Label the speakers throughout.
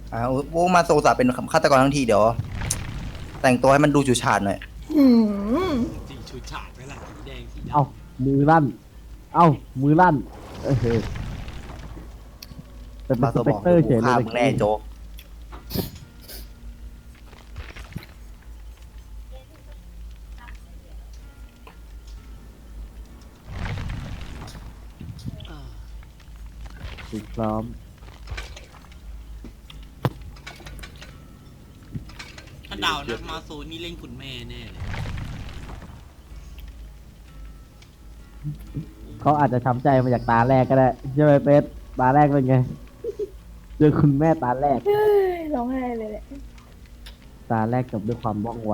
Speaker 1: โอ้มาโซซาเป็นฆาตกรทั้งทีเดี๋ยวแต่งตัวให้มันดูฉูดฉาดหน่อย
Speaker 2: หืม
Speaker 3: จริงชูฉาดไว้ละสีแดงสีดำ
Speaker 4: เอ้ามือลั่นเอ้ามือลั่นเออเป็น
Speaker 1: มาโซ
Speaker 4: สเป
Speaker 1: บอก
Speaker 4: กเตอร์เฉยเล
Speaker 1: ฆ่าย มึงแน่โจ๊ก
Speaker 3: เออ
Speaker 4: ถูกซ้อม
Speaker 3: ถ้าเดานะมาโซนี่เล่นคุณแม่แน่เลย
Speaker 4: เขาอาจจะช้ำใจมาจากตาแรกก็ได้ใช่ไหมเป็ดตาแรกเป็นไงเจอคุณแม่ตาแรก
Speaker 2: เฮ้ยร้องไห้เลยแหละ
Speaker 4: ตาแรกกับด้วยความว่องไว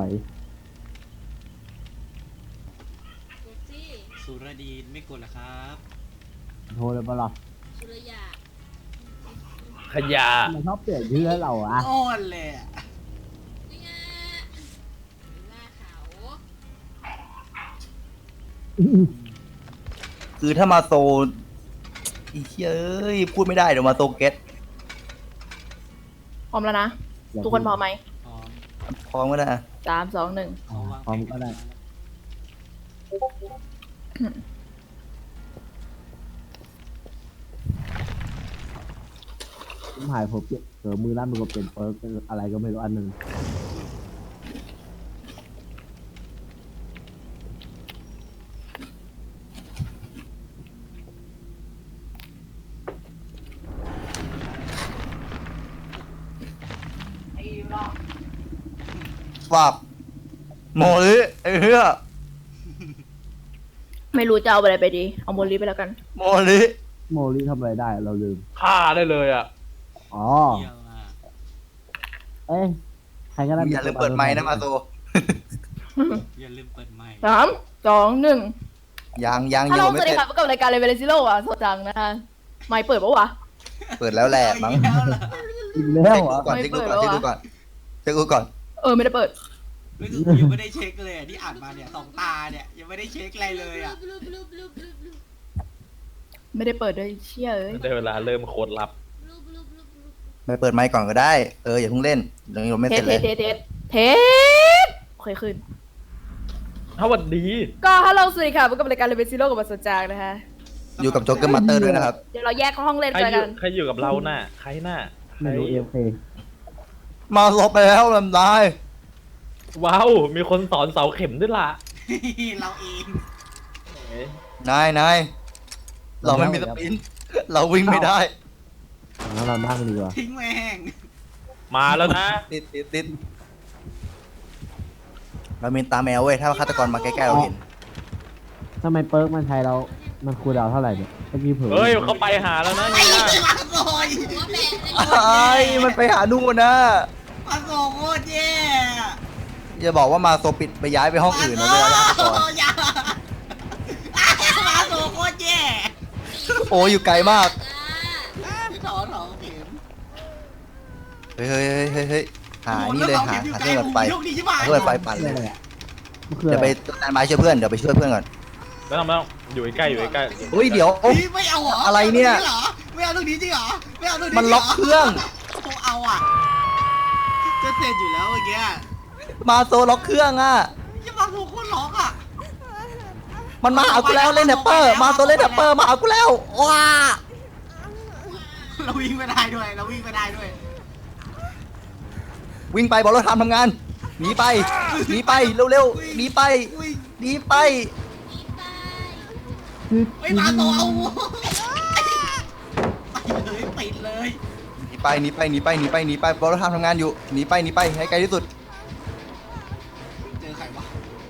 Speaker 3: สุรดีนไม่กดเหรอครับ
Speaker 4: โทรเลยปะล่ะ
Speaker 5: สุรยา
Speaker 6: ขยะ
Speaker 4: ทำไมชอบเปลี่ยนชื่อให้เราอะ
Speaker 3: อ้อนเลยอะ
Speaker 5: นี่ไงหน้าเขา
Speaker 1: คือถ้ามาโซอีเฮ้ยพูดไม่ได้เดี๋ยวมาโซเก็ต
Speaker 2: พร้อมแล้วนะ ทุกคนพร้อมไหม
Speaker 3: พร้อม
Speaker 1: พร้อมก็ได้อะ
Speaker 2: 3 2 1
Speaker 3: เขาวาง
Speaker 4: พร้อมก็ได้ผมหายผมเปลี่ยนมือลั่นมันก็เปลี่ยนเปิร์กเป็นอะไรก็ไม่รู้อันหนึ่ง
Speaker 1: ฝากโมลิไอ้เหี้ย
Speaker 2: ไม่รู้จะเอาอะไรไปดี เอาโมลิไปแล้วกัน
Speaker 1: โมลิ
Speaker 4: โมลิทำอะไรได้เราลืม
Speaker 6: ฆ่าได้เลยอ่ะ
Speaker 4: อ๋อ
Speaker 3: เยี่ยมมาก
Speaker 4: เอ้ยใครก็ได้
Speaker 1: อย่าลืมเปิดไมค์นะมาโซ
Speaker 3: อย่าลืมเปิดไมค์
Speaker 2: 3 2 1
Speaker 1: ยัง
Speaker 2: ถ้า
Speaker 1: อยู่
Speaker 2: เรา
Speaker 1: ไม่
Speaker 2: สวัส
Speaker 1: เส
Speaker 2: ดี
Speaker 1: ร็จ
Speaker 2: ครับกับรายการเลเวลซิโร่อะโซจังนะคะไม่เปิดปะวะ
Speaker 1: เปิดแล้วแหละมั้ง
Speaker 3: เอาอีกแล้วเหรอ
Speaker 4: อีกแล้วเหรอ
Speaker 1: ก่อน
Speaker 2: ไม่
Speaker 1: เช็ค
Speaker 2: เปิ
Speaker 1: ดู
Speaker 2: ด
Speaker 1: ก่อน
Speaker 2: แล้วอะ
Speaker 1: เช็คดูก่อนเช็คดูก่อน
Speaker 2: ไม่ได้เปิด
Speaker 3: ไม่คือกูยังไม่ได้เช็คเลยอะที่อ่านมาเนี่ยสองตาเนี่ยยังไม่ได้เช็คอะไรเลยอ่ะ
Speaker 5: บลูบลูบลูบลูบลูบ
Speaker 2: ไม่ได้เปิดด้วยเชี่ยเอ้ย
Speaker 6: ได้เวลาเริ่มโคตรลับ
Speaker 5: บลูบลูบลูบลูบ
Speaker 1: ไปเปิดไมค์ก่อนก็ได้อย่าเพิ่งเล่นยังไม่
Speaker 2: เท
Speaker 1: เส
Speaker 2: ส
Speaker 1: ร็จ
Speaker 2: เท
Speaker 1: เลย
Speaker 2: สเทสโอเคขึ้น
Speaker 6: ถ้าวันดี
Speaker 2: ก็ฮัลโหลสวัสดีค่ะพบกับรายการเลเวลซิโร่กับบัสโซจังนะคะ
Speaker 1: อยู่กับโจ๊กเกอร์มาสเตอร์ด้วยนะครับ
Speaker 2: เดี๋ยวเราแยกห้องเล่น
Speaker 6: ใคร
Speaker 2: กัน
Speaker 6: อยู่ใครอยู่กับเราน่ะ ใครน่ะ
Speaker 4: ไม่รู้เอฟเค
Speaker 1: มาลบไปแล้วลำได้
Speaker 6: ว้าว มีคนสอนเสาเข็มด้วยล่ะ
Speaker 3: เราเอง
Speaker 6: เอ๊ะ
Speaker 1: นายเราไม่มีสปินเราวิ่งไม่ได้
Speaker 4: งั้นเรานั่งดีกว่า
Speaker 3: ทิ้งแม่ง
Speaker 6: มาแล้วนะ
Speaker 1: ติดเรามีตาแมวเว้ยถ้าฆาตกรมาใกล้ๆเราเห็น
Speaker 4: ทำไมเปิร์กมันใช้แล้วมันคูลดาวน์เท่าไหร่เนี่ยเมื่อกี้เผลอ
Speaker 6: เฮ้ยเขาไปหาแล้วนะ
Speaker 3: ไอ้
Speaker 6: เนี่ย
Speaker 3: มาโซย
Speaker 5: หัวแบะเลย
Speaker 1: ไอ้มันไปหานู่นนะ
Speaker 3: มาโซโคตรแย่
Speaker 1: อย่าบอกว่ามาโซปิดไปย้ายไปห้องอื่นนะเวลาฆาตกร
Speaker 3: อย่ามาโซโคตรแย่
Speaker 1: โอ้อยู่ไกลมาก
Speaker 3: ถอเข็ม
Speaker 1: เฮ้ยหานี่เลยหาเครื่องตัดไฟ
Speaker 3: โชคดีใช่ไหม
Speaker 1: หาเครื่องตัดไฟปั่นเลย
Speaker 4: มันคือ
Speaker 1: เดี๋
Speaker 4: อะ
Speaker 1: ยว
Speaker 4: ไร
Speaker 1: ไปต้นไม้ช่วยเพื่อนเดี๋ยวไปช่วยเพื่อนก่อน
Speaker 6: แล้วทำไมต้องอยู่ใกล้อยู่ใกล้
Speaker 1: เฮ้ยเดี๋ยว
Speaker 3: ไม่เอาเหรอ
Speaker 1: อะไรเนี่ย
Speaker 3: ไม่เอาตรงนี้จริงเหรอไม่เอาตรงนี้
Speaker 1: มันล็อกเครื่อง
Speaker 3: เอาอ่ะจะเสร็จอยู่แล้วเมื่อกี้
Speaker 1: มาโซล็อกเครื่องอ่ะ
Speaker 3: ยังมาโซโคตรล็อกอ่ะ
Speaker 1: มันมาหากูแล้วเล่นแดปเปอร์มาโซเล่นแดปเปอร์มาหากูแล้วว้า
Speaker 3: เราวิ่งไม่ได้ด้วยเราวิ่งไม่ได้ด้วย
Speaker 1: วิ่งไปบอกรถทำงานหนีไปเร็วๆหนีไป
Speaker 3: วิ่ง
Speaker 1: หนีไป
Speaker 3: ไม่มาโซเอาปิดเลย
Speaker 1: หนีไปบอกรถทำงานอยู่หนีไปให้ไกลที่สุด
Speaker 3: เจอใครวะ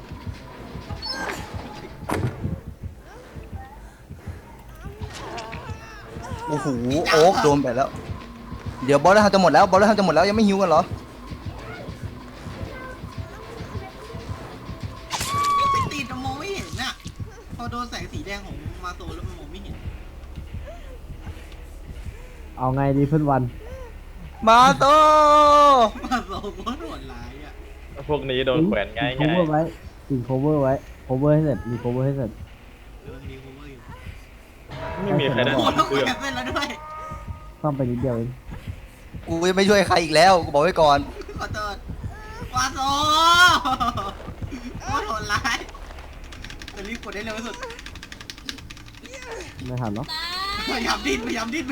Speaker 1: โอ้โหโอ๊กโดนไปแล้วเดี๋ยวบอลรถทำจะหมดแล้วยังไม่หิวกันเหรอ
Speaker 3: ไม่ติดมองไม่เห็นน่ะพอโดนแสงสีแดงของมาโซแล้วมันมองไม่เห็น
Speaker 4: เอาไงดีเพื่อนวัน
Speaker 1: มาโต
Speaker 3: มาโซโคตรโหดร้ายอ่ะ
Speaker 6: พวกนี้โดนแขวนง่าย
Speaker 4: โคเวอร์ไว้ติดโคเวอร์ไว้โคเวอร์ให้เสร็จมีโคเวอร์ให้เสร็จ
Speaker 3: เรื่องนี้โคเวอร์อยู่
Speaker 6: ไม่มีใครได้
Speaker 3: โอ้
Speaker 6: ทำ
Speaker 3: แล้ว
Speaker 6: เครื่อง
Speaker 3: แอบเป็นแล้วด้วย
Speaker 4: ซ่อมไปนิดเดียวเอง
Speaker 1: กูจะไม่ช่วยใครอีกแล้วกูบอกไว้ก่อน
Speaker 3: ขอโทษวาโซโคตรโหดร้ายจะรีบกดได้เร็วที่สุด
Speaker 4: ไม่ทันหรอก
Speaker 5: ตา
Speaker 3: พยายามดิ้น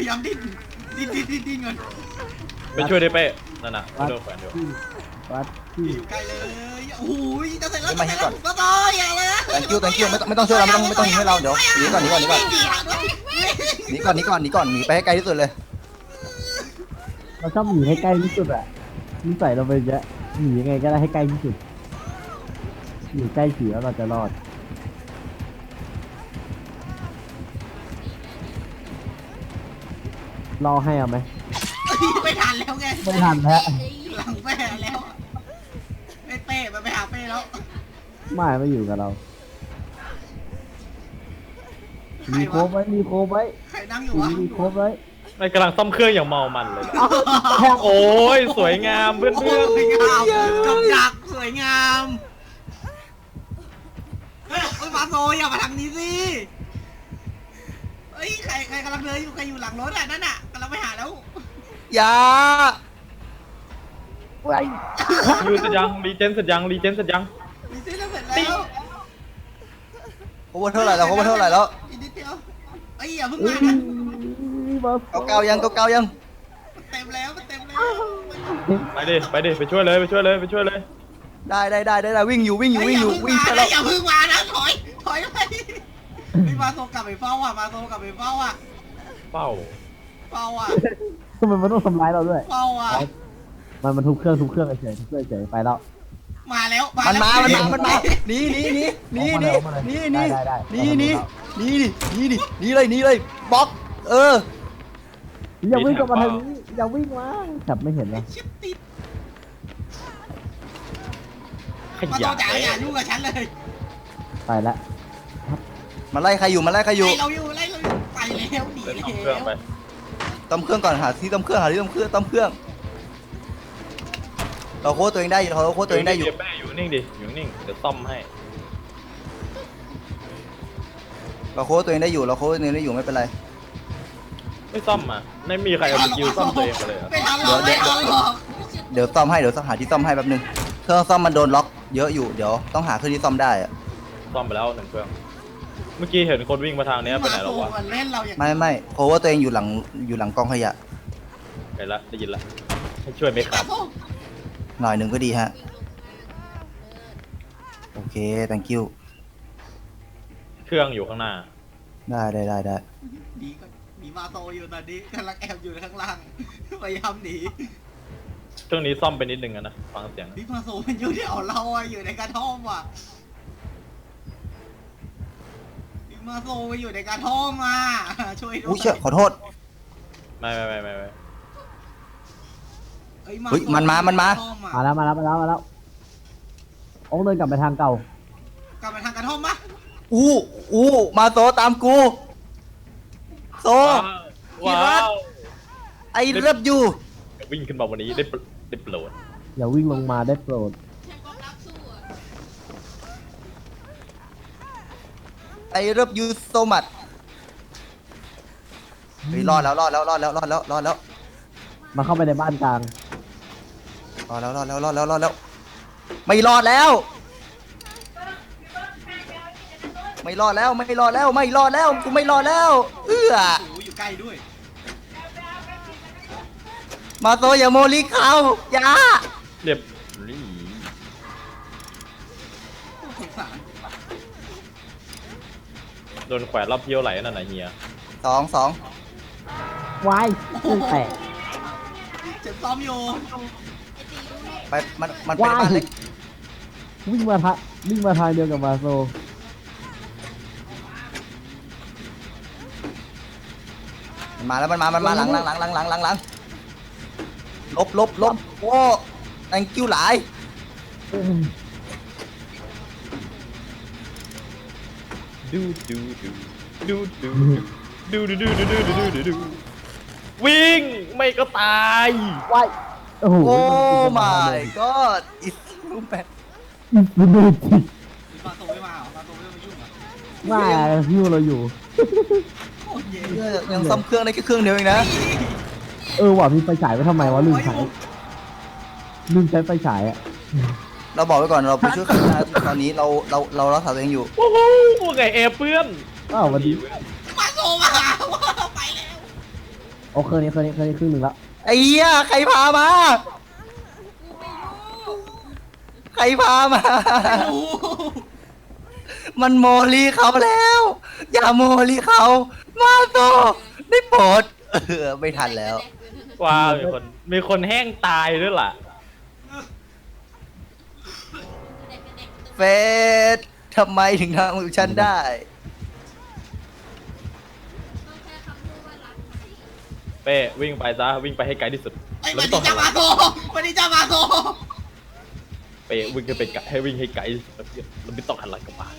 Speaker 3: เงิน
Speaker 6: ไปช่วยได้เป้นั่นน่ะโดนแขวนอยู่
Speaker 4: วัดที่
Speaker 3: อยู่ใกล้เลยโอ้โหจะเสร็จแล้ว
Speaker 1: มาให้ก่อน
Speaker 3: ก็ต่ออย่าเลย
Speaker 1: thank you ไม่ต้องช่วยเราไม่ต้องยิงให้เราเดี๋ยวหนีก่อนหนีไปให้ไกลที่สุดเลย
Speaker 4: เราชอบหนีให้ใกล้ที่สุดอ่ะนิสัยเราเป็นเยอะหนียังไงก็ได้ให้ใกล้ที่สุดอยู่ใกล้ผีแล้วเราจะรอดรอให้เอาไหม
Speaker 3: ไม่ทันแล้วไง
Speaker 4: ไม่ทันแล้ว
Speaker 3: หลังแป้แล้วเป้มันไปหาเป้แล้ว
Speaker 4: ไม่อยู่กับเรามีโคบไว้มีโคบไว้
Speaker 3: ใครนั่งอยู่วะ
Speaker 4: มีโคบไว้
Speaker 6: ไม่กำลังซ่อมเครื่องอย่างเมามันเลยนะโอ้ยสวยงามเพื่อน
Speaker 3: โอ้สวยงามกับดักสวยงามเฮ้ยมาโซอย่ามาทางนี้สิเฮ้ยใครกำลังเดินอยู่ใครอยู่หลังรถอ่ะนั่นอ่ะกำลังไปหาแล้ว
Speaker 1: อย่า
Speaker 6: ๆยูเสร็จยังรีเจนเสร็จยัง
Speaker 3: มีเส้นเสร็จแล้ว
Speaker 1: โคเวอร์เท่าไหร่แล้วโคเวอร์เท่าไหร่แล้ว
Speaker 3: อีกนิดเดียวเอ้ยอย่าเพิ่งมานะ
Speaker 1: เก่ายัง
Speaker 3: มันเต็มแล้ว
Speaker 6: ไปดิไปช่วยเลย
Speaker 1: ได้วิ่งอยู่วิ่ง
Speaker 3: อย่า
Speaker 1: ไป
Speaker 3: เพิ่ง
Speaker 1: แล้ว
Speaker 3: อย่าเพิ่งมานะถอยไปพี่มาโซกลับไปเฝ้าอ่ะมาโซกลับไปเฝ้าอ่ะ
Speaker 6: เป้า
Speaker 4: ทำไมมันต้องทำร้ายเราด้วย
Speaker 3: เฝ้าอ่ะ
Speaker 4: มันทุบเครื่องเฉยไปแล้ว
Speaker 3: มาแล้ว
Speaker 1: มันมาหนีเลยบล็อก
Speaker 4: อย่าวิ่งกลับมาทางนี้อย่าวิ่งมาจับไม่เห็นเลย
Speaker 3: ชิปติด
Speaker 6: ข
Speaker 3: มาโซ
Speaker 6: ยะ
Speaker 3: จ๋าอย่ายุ่งกับฉันเลย
Speaker 4: ไปละ
Speaker 1: มันไล่ใครอยู่
Speaker 3: ไล่เราอยู่ไปแล้วหนี
Speaker 6: เดิน
Speaker 3: แล้
Speaker 6: ซ่อมเครื่องไป
Speaker 3: ว
Speaker 1: ต้มเครื่องก่อนหาที่ต้มเครื่องเราโค้ดตัวเองได้อยู่เราโค้ดตัวเองได้อยู่
Speaker 6: แม่อยู่นิ่งดิอยู่นิ่งเดี๋ยวซ่อมให้
Speaker 1: เราโค้ดตัวเองได้อยู่ไม่เป็นไร
Speaker 6: ไม่ซ่อมอ่ะไม่มีใครเอาสกิลซ่อมตัวเองมาเลยเหรอ
Speaker 3: ไม่ทำหรอกไม่ทำหรอก
Speaker 1: เดี๋ยวซ่อมให้เดี๋ยวหาที่ซ่อมให้แป๊บนึงเครื่องซ่อมมันโดนล็อกเยอะอยู่เดี๋ยวต้องหาเครื่องที่ซ่อมได้อะ
Speaker 6: ซ่อมไปแล้ว1 เครื่องเมื่อกี้เห็นคนวิ่งมาทางเนี้ยไปไหนแล้ววะ
Speaker 3: มันเล่นเราอย่าง
Speaker 1: ไม่โค้ดตัวเองอยู่หลังกองขยะ
Speaker 6: ไปละได้ยินละให้ช่วยไหมครับ
Speaker 1: หน่อยหนึ่งก็ดีฮะโอเค thank you
Speaker 6: เครื่องอยู่ข้างหน้า
Speaker 1: ได้
Speaker 3: ดีก็มีมาโตอยู่ตอนนี้กำลังแอบอยู่ข้างล่างพยายามหนี
Speaker 6: เครื่องนี้ซ่อมไปนิดนึงอะนะฟังเสียง
Speaker 3: พี่มาโซมันอยู่ที่เราอะอยู่ในกระท่อมอ่ะพี่มาโซมันอยู่ในกระท่อมมาช่วยด้ว
Speaker 1: อุ้ย
Speaker 3: ย
Speaker 1: เชื่อขอโทษ
Speaker 6: ไม่
Speaker 3: เฮ้ย
Speaker 1: เฮ้ยมันมา
Speaker 4: มาแล้วโอ้เดินกลับไปทางเก่าก
Speaker 3: ลับไปทางกระท่อมปะ
Speaker 1: อู้มาโซตามกูโซ
Speaker 6: ว้าว
Speaker 1: ไอ้เลิฟยู
Speaker 6: วิ่งขึ้นมาวันนี้ได้โปรด
Speaker 4: อย่าวิ่งลงมาได้โปรด
Speaker 5: ฉันก็รับสู้อะ
Speaker 1: ไอ้เลิฟยูโซมัดเฮ้ยรอดแล้ว
Speaker 4: มาเข้าไปในบ้านกลาง
Speaker 1: รอดแล้วไม่รอดแล้วกูไม่รอดแล้วเอื้อ
Speaker 3: โอ้อยู่ใกล้ด้วย
Speaker 1: มาโซอย่าโมลิเขาอย่า
Speaker 6: เรียบรี
Speaker 3: สงสาร
Speaker 6: โดนแขวนรอบเที่ยวไหลนั่นน่ะเฮีย
Speaker 1: สอง
Speaker 4: วายเครื่องแตก
Speaker 3: เจ็บซ้อมอยู่
Speaker 1: ไปมันเป็นบ้านเล็ก
Speaker 4: วิ่งมาทางเดียวกับมาโซ
Speaker 1: มันมาหลังลบโอ้ thank you หลาย
Speaker 6: ดูวิ่งไม่ก็ตาย
Speaker 4: วายโอ้โห
Speaker 1: โอ้ my god it's so bad
Speaker 4: มันดูจิ
Speaker 3: มาโตไม่มาเหรอมาโตไม่มายุ่งเหรอ
Speaker 4: ไม่ฮิวเราอยู่
Speaker 3: โคตรเย่
Speaker 1: ยังซ่อมเครื่องได้แค่เครื่องเดียวเองนะ
Speaker 5: เ
Speaker 4: ว่ะมีไฟฉายไว้ทำไมวะลืมใช้ไฟฉายอ่ะ
Speaker 1: เราบอกไว้ก่อนเราไปช่วยข้างหน้าตอนนี้เรารักษาตัวเองอยู่
Speaker 6: โอ้โหไงแอร์เพื่อน
Speaker 4: อ้าววันนี้
Speaker 3: มาโซมาไปแล้ว
Speaker 4: โอ้เครื่องนี้ครึ่งหนึ่งแล้ว
Speaker 1: ไอ้เหี้ยใครพามา ใครพามา
Speaker 3: โอ้
Speaker 1: มันโมลีเขาแล้ว อย่าโมลีเขามาโตได้โปรดไม่ทันแล้ว
Speaker 6: ว้าวมีคนแห้งตายด้วยล่ะ
Speaker 1: เฟสทำไมถึงทำกับฉันได้
Speaker 6: เป้วิ่งไปซะวิ่งไปให้ไกลที่สุด
Speaker 3: ไอ้
Speaker 6: แล้ว
Speaker 3: วัน
Speaker 6: ไม่ต้อ
Speaker 3: นี้
Speaker 6: ง
Speaker 3: จะมาโซวันนี้จะมาโซ
Speaker 6: เป้วิ่งให้ไปไกลให้วิ่งให้ไกลที่สุดแล้วไม่ต้องหันหลังกลับมา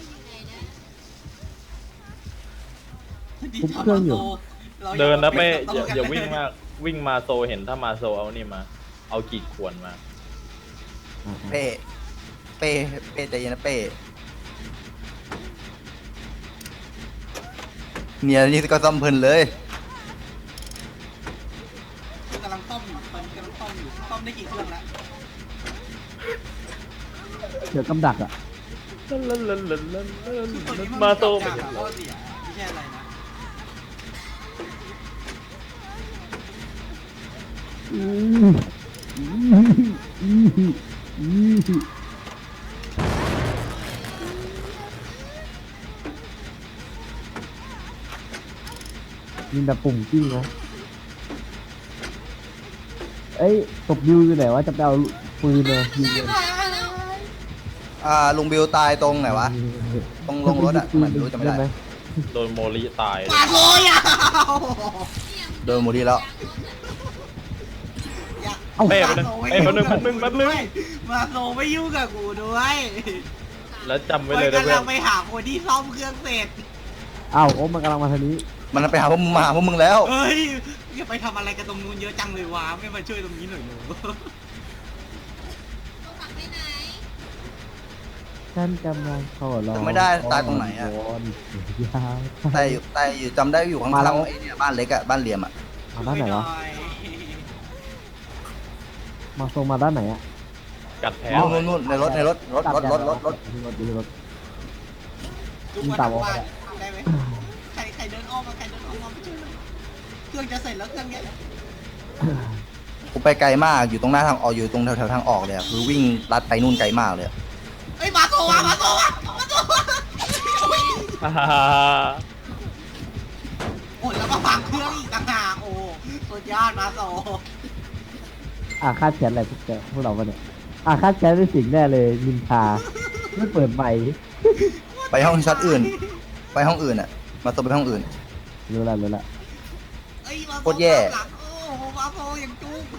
Speaker 6: เดินนะเป้อย่าวิ่งมากวิ่งมาโซเห็นถ้ามาโซเอานี่มาเอากีดขวนมา
Speaker 1: เป้ใจเย็นนะเป้เนี่ยนี่ก็ซ่อมเพลินเลย
Speaker 3: กำลังต้มอยู่ตอนนี้กำลังต้มอยู่ต้มได้กี่เครื่องแล้ว
Speaker 4: เดี๋ยวกำดักอ่ะ
Speaker 6: มาโซ
Speaker 3: ไป
Speaker 6: ไป
Speaker 3: เห็นข้อเสียไม่ใช่อะไรนะ
Speaker 4: มีแบบปุ่มกิ้งนะเอ้ยตบดิวอยู่ไหนวะจะไปเอาปืนเลยยิงเลย
Speaker 1: ลุงบิวตายตรงไหนวะ ตรงลงรถอะไม่รู้จำไม่ได้
Speaker 6: โดนโมลิตาย
Speaker 3: มาโซยาว
Speaker 1: โดนหมดดีแล้ว
Speaker 6: เป้ไปนึงเป้แป๊บนึง
Speaker 3: มาโซไม่ยุ่งกับกูด้วย
Speaker 6: แล้วจำไว้เลยนะ
Speaker 3: กำ
Speaker 6: เพื่อ
Speaker 3: ลั
Speaker 6: น
Speaker 3: งไปหาคนที่ซ่อมเครื่องเสร็จ
Speaker 4: อ้าวโอ้มันกำลังมาทางนี้
Speaker 1: มันไปหาพวกมึงมาหาพวกมึงแล้ว
Speaker 3: เฮ้ยอย่าไปทำอะไรกันตรงนู้นเยอะจังเลยวะไม่มาช่วยตรงนี้หน่อยหนู
Speaker 4: ฉันกำลังขอร้อง
Speaker 1: ไม่ได้ตายตรงไหนอะ
Speaker 4: ยาว
Speaker 1: แต่อยู่จำได้อยู่ข้างๆไอ้เนี่ยบ้านเล็กอะบ้านเหลี่ยมอะ
Speaker 4: มาด้านไหนวะมาโซมาด้านไหนอ่ะ
Speaker 6: กัดแผล
Speaker 1: นู่นในรถรถ
Speaker 3: จุกวันบ้านได้ไหมใครเดินอ้อมมาไปช่วยเครื่องจะเสร็จแล้วเครื่องเนี้ย
Speaker 1: กูไปไกลมากอยู่ตรงหน้าทางออกอยู่ตรงแถวๆทางออกเลยอะคือวิ่งลัดไปนู่นไกลมากเลยอะ
Speaker 3: เฮ้ยมาโซวะโอ้แล้วมาฟังเครื่องอีกต่างหากโอ้สุดยอดมาโซ
Speaker 4: คาดแขนอะไรพวกเราปะเนี่ยคาดแขนเป็นสิ่งแน่เลยนินทาไม่เปิดใหม่
Speaker 1: ไปห้องช็อตอื่น ไปห้องอื่นอะมาตัวไปห้องอื่น
Speaker 4: รู้ละ
Speaker 3: เอ้ยมาโซ
Speaker 1: โคตรแย่
Speaker 3: หลังโอ้มาโซอย่างจุก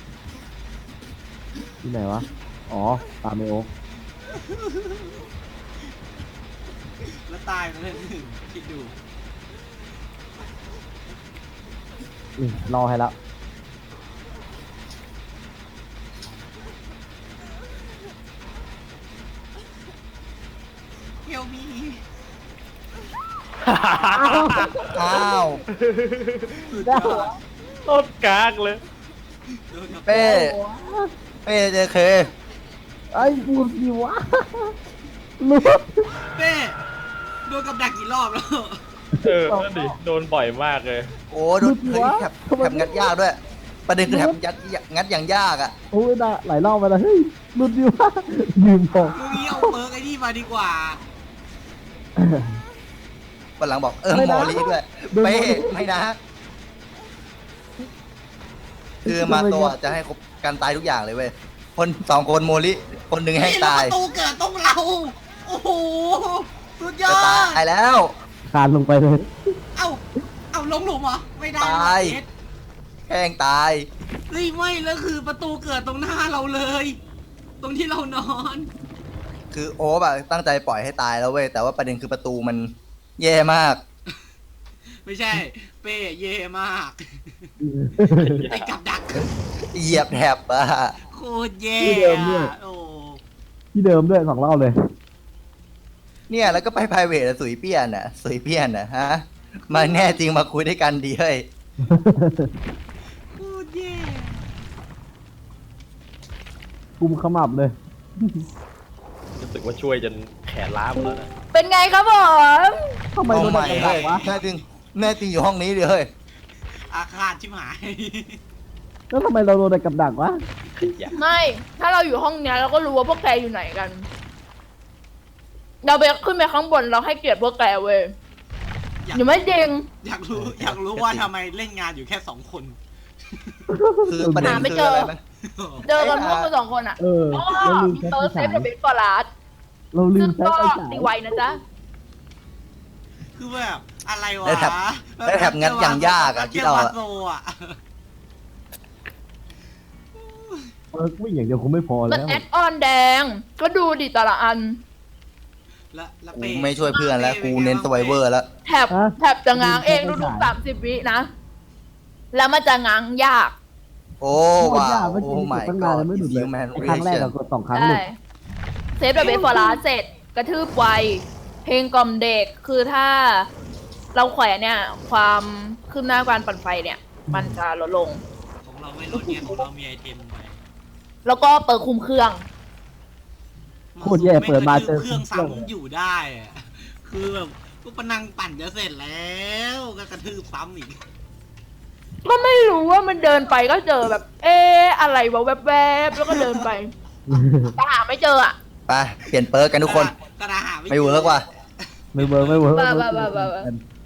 Speaker 4: ที่ไหนวะอ๋อตามไอโอ๊ค
Speaker 3: แล้วตายไปเลยหนึ่งคิดดู
Speaker 4: รอให้แล้ว
Speaker 3: เฮลมี
Speaker 1: อ้าว
Speaker 6: โคตรกากเลย
Speaker 1: เป้เจเค
Speaker 4: ไอ้พูดดีวะรู้
Speaker 3: เป้โดนกับดักกี่รอบแล้ว
Speaker 6: นั่นดิโดนบ่อยมากเลย
Speaker 1: โอ้ดูเฮ้ยแถบงัดยากด้วย ประเด็นคือแถบงัดอย่างยากอะ
Speaker 4: โอ้ยนะหลายรอบไปแล้วเฮ้ยรู้ดีวะยืมบอก
Speaker 3: มึงนี่เอาเปิร์กไอ้นี่มาดีกว่า
Speaker 1: วันหลังบอกมอลีด้วยเป้ไม่นะ คือมาตัวจะให้ครบการตายทุกอย่างเลยเว้ยคน2 คนโมลิคนหนึ่งให้ตาย
Speaker 3: ประตูเกิดต้องเรา โอ้โห สุดยอ
Speaker 1: จะ
Speaker 3: ด
Speaker 1: ตายแล้ว
Speaker 4: คานลงไปเลย
Speaker 3: เอาลงหลุมเหรอ ไม่ได้
Speaker 1: ตาย
Speaker 3: เอ็ด
Speaker 1: แห้งตาย
Speaker 3: เฮ้ยไม่แล้วคือประตูเกิดตรงหน้าเราเลย ตรงที่เรานอน
Speaker 1: คือโอ๊บอะตั้งใจปล่อยให้ตายแล้วเว้ยแต่ว่าประเด็นคือประตูมันแย่มาก
Speaker 3: ไม่ใช่ เป้เย่มาก ไอ้กับดัก
Speaker 1: เหยียบแถบอะ
Speaker 3: โคตรแย่
Speaker 4: ที่เดิมด้วย
Speaker 3: โอ้
Speaker 4: ที่เดิมด้วย2 รอบเลย
Speaker 1: เนี่ยแล้วก็ไปไพรเวทสุยเปี้ยนฮะมาแน่จริงมาคุยด้วยกันดีเฮ้ย
Speaker 3: โคตร
Speaker 4: กุมขมับเลย
Speaker 6: รู้สึกว่าช่วยจนแขนล้าหมดแล้วนะ
Speaker 2: เป็นไงครับผม
Speaker 4: ทำไม
Speaker 1: ห้อง
Speaker 4: โดน
Speaker 1: ใหม่
Speaker 4: กระ
Speaker 1: เฮ้
Speaker 4: ดั
Speaker 1: ย
Speaker 4: กวะ
Speaker 1: แน่จริงแน่จริงอยู่ห้องนี้ดิเฮ้ย
Speaker 3: อาคาดชิบหาย
Speaker 4: แล้วทำไมเราโดนกับดักวะ
Speaker 6: อย่า
Speaker 2: ไม่ ถ้าเราอยู่ห้องเนี้ยเราก็รู้ว่าพวกแกอยู่ไหนกัน เราไปขึ้นไปข้างบนเราให้เกียรติพวกแกเว้ย
Speaker 3: อยาก
Speaker 2: อยู่ไม่จริง
Speaker 3: อยากรู้ว่าทำไมเล่นงานอยู่แค่2 คน
Speaker 1: คือประเด็น
Speaker 2: หาไม่
Speaker 1: คือ
Speaker 2: เจออ
Speaker 1: อะไรไหม
Speaker 2: เจอกันพวกกัน2 คนอ่ะ
Speaker 4: เออ
Speaker 2: อ๋อ
Speaker 4: เราลืม
Speaker 2: มี
Speaker 4: ใช้
Speaker 2: เตอ
Speaker 4: ไฟ
Speaker 2: ร์เซฟ
Speaker 4: ฉาย
Speaker 2: กับเบนฟอร์ลาร์ด
Speaker 4: เราลื
Speaker 2: ซึ่
Speaker 4: ม
Speaker 2: ง
Speaker 4: ใช้
Speaker 2: ก็
Speaker 4: ไฟฉาย
Speaker 2: ตีไวนะจ๊ะ
Speaker 3: คือแบบอะไรวะ
Speaker 1: ได้แถบงัดอย่างยากอะคิดเอาอะ
Speaker 3: โซอะ
Speaker 4: วิ่งอย่างเดียวคงไม่พอ
Speaker 2: มัน
Speaker 4: แล้ว
Speaker 2: แอดออนแดง ก็ดูดิแต่ละอัน
Speaker 3: แล้ว
Speaker 1: กูไม่ช่วยเพื่อนแล้วกูเน้นสไวเวอร์แล้ว
Speaker 2: แถบจะง้างเองทุกๆ30 วินะ แล้วมันจะง้างยาก
Speaker 1: โอ้
Speaker 4: โคตร
Speaker 1: ว้า
Speaker 4: ยาก
Speaker 1: ว
Speaker 4: เมื่อกี้
Speaker 1: โอ้
Speaker 4: ก
Speaker 1: my
Speaker 4: ดตั้งนาน
Speaker 1: god
Speaker 4: แล้วไม่หลุดเลย
Speaker 1: human
Speaker 4: ครั้งแรก
Speaker 1: reaction
Speaker 4: เรากด2 ครั้งหลุ
Speaker 2: ได้
Speaker 4: ด
Speaker 2: เซฟกับเบนฟอร์ลาร์ดเสร็จ กระทืบไว เพลงกล่อมเด็ก คือถ้าเราแขวนเนี่ย ความคืบหน้าการปั่นไฟเนี่ย มันจะลดลง
Speaker 3: ของเราไม่ลดเนี่ยของเรามีไอเทมไป
Speaker 2: แล้วก็เปิดคุมเครื่อง
Speaker 4: โคตรแย่เปิดมาเจอ
Speaker 3: เครื่องซ้ำอยู่ได้อะคือแบบกูปนังปั่นจะเสร็จแล้วก็กระทืบซ้ำอีก
Speaker 2: ก็ไม่รู้ว่ามันเดินไปก็เจอแบบ เอ๊ะอะไรวะแวบๆแล้วก็เดินไปแต่หาไม่เจออ่ะ
Speaker 1: ไปเปลี่ยนเปิร์กกันทุกคน
Speaker 3: กระดาหา
Speaker 1: ไม่เวิร์กว่ะ
Speaker 4: ไม่เวิร์กไม่เวิร์ก
Speaker 2: บ้า